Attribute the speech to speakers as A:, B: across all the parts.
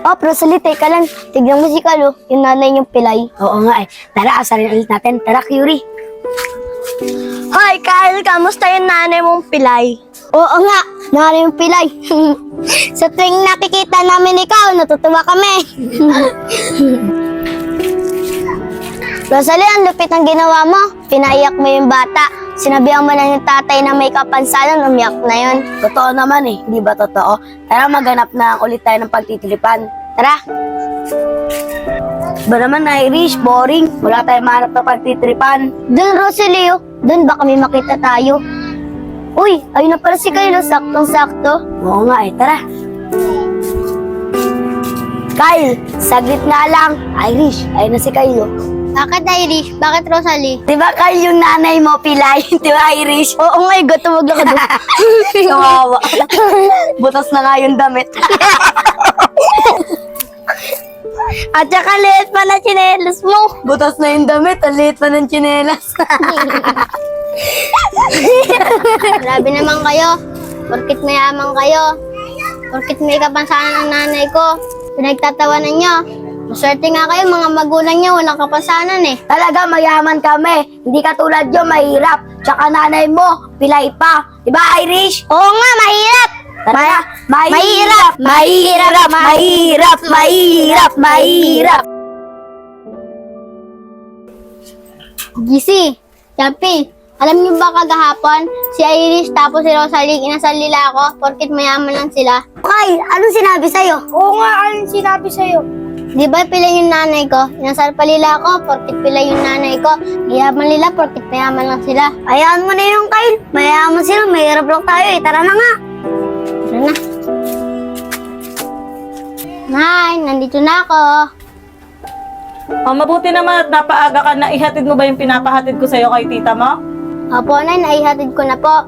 A: Oh, Rosalie, teka lang. Tignan mo si Kalo, yung nanay niyong pilay.
B: Oo nga eh. Tara, asarin ulit natin. Tara, Curie.
A: Hoy, Kyle, kamusta yung nanay mong pilay? Oo nga, nanay mong pilay. Sa tuwing nakikita namin ikaw, natutuwa kami. Rosalie, ang lupit ng ginawa mo. Pinaiyak mo yung bata. Sinabihan mo na yung tatay na may kapansanan, umiyak na yun.
B: Totoo naman eh. Di ba totoo? Tara, maghanap na ulit tayo ng pagtitilipan.
A: Tara.
B: Ba naman, Irish? Boring. Wala tayong mahanap na pagtitripan.
A: Doon, Rosalie, doon baka may makita tayo. Uy, ayun na pala si Kyle, saktong-sakto.
B: Oo nga eh. Tara. Kyle, saglit nga lang. Irish, ayun na si Kyle.
A: Bakit Irish? Bakit Rosalie?
B: Di ba Kyle yung nanay mo, pilay? Di ba Irish?
A: Oo nga, tumag lang ako doon.
B: Kawawa. Butas na nga yung damit.
A: At saka liit pa na tsinelas mo.
B: Butas na yung damit. Ang liit pa ng tsinelas.
A: Grabe naman kayo. Porkit mayaman kayo. Porkit may kapansanan ang nanay ko. Pinagtatawanan nyo. Maswerte nga kayo, mga magulang nyo, walang kapansanan eh.
B: Talaga, mayaman kami. Hindi katulad yun, mahirap. Tsaka nanay mo, pilay pa. Di ba Irish?
A: Oo nga, mahirap.
B: Mahirap! Mahirap! Mahirap! Mahirap! Mahirap!
A: Gisi, Champi, alam niyo ba kagahapon, si Irish tapos si Rosalie, inasal nila ako, porkit mayaman lang sila.
B: Kyle, anong sinabi sa'yo?
A: Oo nga, anong sinabi sa'yo? Di ba pilay yung nanay ko? Inasal pa nila ako, porkit pilay yung nanay ko. Mayaman nila, porkit mayaman lang sila.
B: Hayaan mo na yung Kyle. Mayaman sila, mahirap lang tayo eh. Tara na nga.
A: Tara na. Nay, nandito na ako.
C: Oh, mabuti naman at napaaga ka na. Ihatid mo ba yung pinapahatid ko sa'yo kay tita mo?
A: Opo, Nay, naihatid ko na po.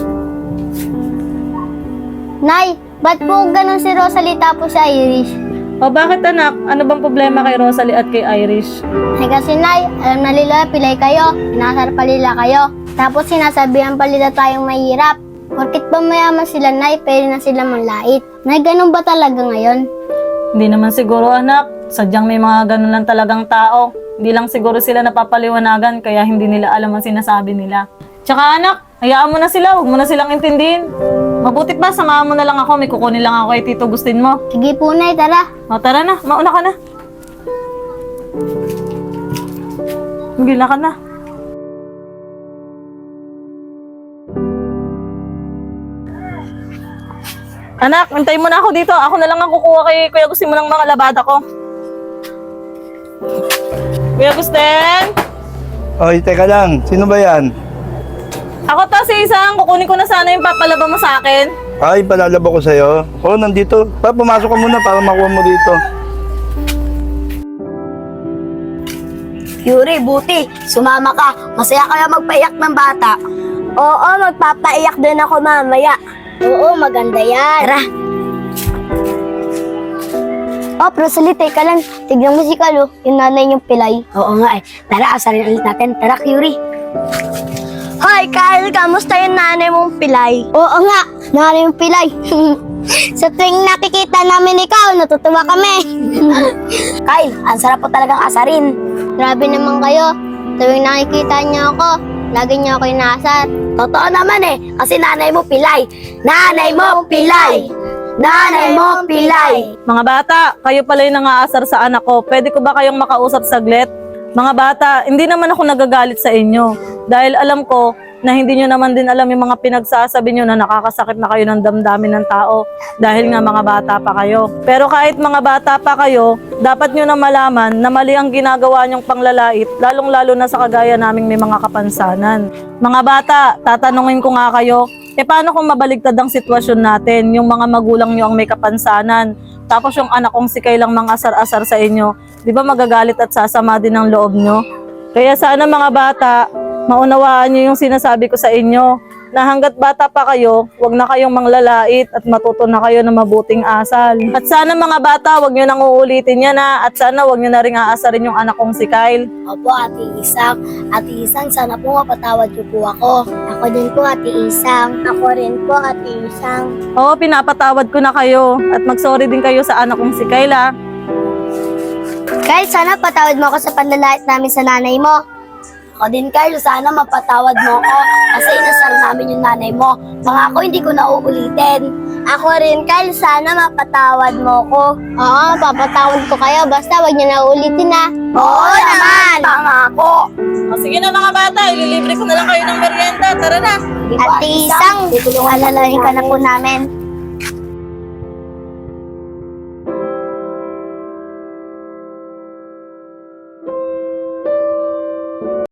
A: Nay, ba't po ganun si Rosalie tapos si Irish?
C: O bakit anak? Ano bang problema kay Rosalie at kay Irish?
A: Ay kasi Nay, alam na nila pilay kayo, inasar pa nila kayo. Tapos sinasabihan pa nila tayong mahirap. Porkit ba mayaman sila Nay, pwede na sila manlait. Nay, ganun ba talaga ngayon?
C: Hindi naman siguro anak. Sadyang may mga ganun lang talagang tao. Hindi lang siguro sila napapaliwanagan kaya hindi nila alam ang sinasabi nila. Tsaka anak, hayaan mo na sila. Huwag mo na silang intindihin. Mabuti pa, samahan mo na lang ako. May kukunin lang ako kay Tito Gustin mo.
A: Sige po Nay, tara.
C: O tara na, mauna ka na. Magila ka na. Anak, hintay mo na ako dito. Ako na lang ang kukuha kay Kuya Gustin mo ng mga labada ko. Kuya Gustin?
D: Oy, teka lang. Sino ba yan?
C: Ako to si Isang. Kukunin ko na sana yung papalaba mo sa akin.
D: Ay, palalaba ko sa'yo. Oo, nandito. Pumasok ka muna para makuha mo dito.
B: Curie, buti. Sumama ka. Masaya kaya magpaiyak ng bata.
A: Oo, magpapaiyak din ako mamaya. Oo, maganda yan.
B: Tara.
A: Oh, Rosalie, teka lang. Tignan mo si Kalo, yung nanay niyong pilay.
B: Oo nga eh. Tara, asarin ulit natin. Tara, Curie.
A: Hoy, Kyle, kamusta yung nanay mong pilay? Oo nga, nanay mong pilay. Sa tuwing nakikita namin ikaw, natutuwa kami.
B: Kyle, ang sarap po talagang asarin.
A: Grabe naman kayo. Tuwing nakikita niyo ako, lagi niyo ako inaasar.
B: Totoo naman eh. Kasi nanay mo pilay. Nanay mo pilay. Nanay mo pilay.
C: Mga bata, kayo pala yung nangaasar sa anak ko. Pwede ko ba kayong makausap saglit? Mga bata, hindi naman ako nagagalit sa inyo. Dahil alam ko na hindi nyo naman din alam yung mga pinagsasabi nyo na nakakasakit na kayo ng damdamin ng tao. Dahil nga mga bata pa kayo. Pero kahit mga bata pa kayo, dapat nyo na malaman na mali ang ginagawa nyong panglalait, lalong-lalo na sa kagaya naming may mga kapansanan. Mga bata, tatanungin ko nga kayo, paano kung mabaligtad ang sitwasyon natin, yung mga magulang nyo ang may kapansanan, tapos yung anak kong si Kay lang mga asar-asar sa inyo, di ba magagalit at sasama din ang loob nyo? Kaya sana mga bata, maunawaan nyo yung sinasabi ko sa inyo. na hanggat bata pa kayo, wag na kayong manglalait at matuto na kayo ng mabuting asal. At sana mga bata, wag nyo nang uulitin yan ha. At sana wag nyo na ring aasarin yung anak kong si Kyle.
B: Opo, Ate Isang. Ate Isang, sana po mapatawad niyo po ako.
A: Ako din po, Ate Isang. Ako rin po, Ate Isang.
C: Oo, pinapatawad ko na kayo. At mag-sorry din kayo sa anak kong si Kyle ha.
A: Kyle, sana patawad mo ako sa panlalait namin sa nanay mo.
B: Ako din, Carl, sana mapatawad mo ako kasi inasal namin yung nanay mo. Pangako, hindi ko na uulitin.
A: Ako rin, Kyle, sana mapatawad mo ko. Oo, papatawad ko kayo. Basta wag niyo na ulitin na.
B: Oo naman! Pangako!
C: O, sige na mga bata, ililibre ko na lang kayo ng merienda. Tara na.
A: Ate Isang, tutulungan na lang ka na po namin.